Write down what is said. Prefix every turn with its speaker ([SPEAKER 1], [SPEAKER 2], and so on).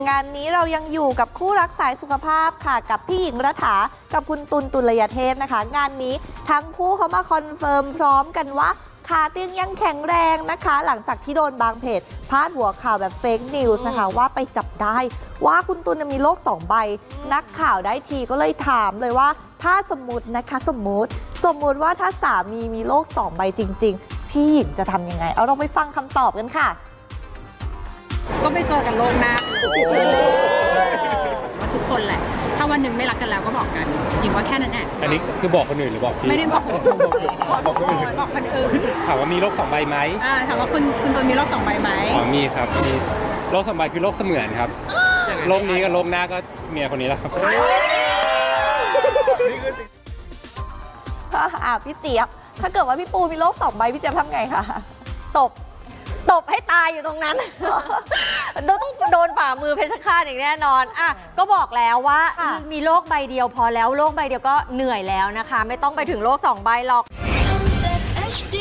[SPEAKER 1] งานนี้เรายังอยู่กับคู่รักสายสุขภาพค่ะกับพี่หญิงรัฐากับคุณตุลตุลยเทพนะคะงานนี้ทั้งคู่เขามาคอนเฟิร์มพร้อมกันว่าขาเตียงยังแข็งแรงนะคะหลังจากที่โดนบางเพจพาดหัวข่าวแบบเฟกนิวส์นะคะว่าไปจับได้ว่าคุณตุลมีโรค2 ใบนักข่าวได้ทีก็เลยถามเลยว่าถ้าสมมตินะคะสมมติว่าถ้าสามีมีโรค2 ใบจริงๆพี่หญิงจะทำยังไงเอาเราไปฟังคำตอบกันค่ะ
[SPEAKER 2] ก็ไปเจอกันโลกหน้าว่าทุกคนแหละถ้าวันหนึ่งไม่รักกันแล้วก็บอกกันหญิงว่าแค่นั้นแหละ
[SPEAKER 3] อันนี้คือบอกคนอื่นหรือบอกพี่
[SPEAKER 2] ไม่ได้บอกบอกคนอื่น
[SPEAKER 3] ถามว่ามีโรค2 ใบไหม
[SPEAKER 2] ถามว่าคุณตัวมีโรค2 ใบไหม
[SPEAKER 3] อ๋อมีครับมีโรค2 ใบคือโรคเสมือนครับโรคนี้กับโรคหน้าก็เมียคนนี้แหละครับ
[SPEAKER 1] พี่เจี๊ยบถ้าเกิดว่าพี่ปูมีโรค2 ใบพี่เจี๊ยบทำไงคะ
[SPEAKER 4] ตบให้ตายอยู่ตรงนั้น ต้องโดนฝ่ามือเพชรฆาตอย่างแน่นอนอ่ะก็บอกแล้วว่ามีโรคใบเดียวพอแล้วโรคใบเดียวก็เหนื่อยแล้วนะคะไม่ต้องไปถึงโรค2 ใบหรอก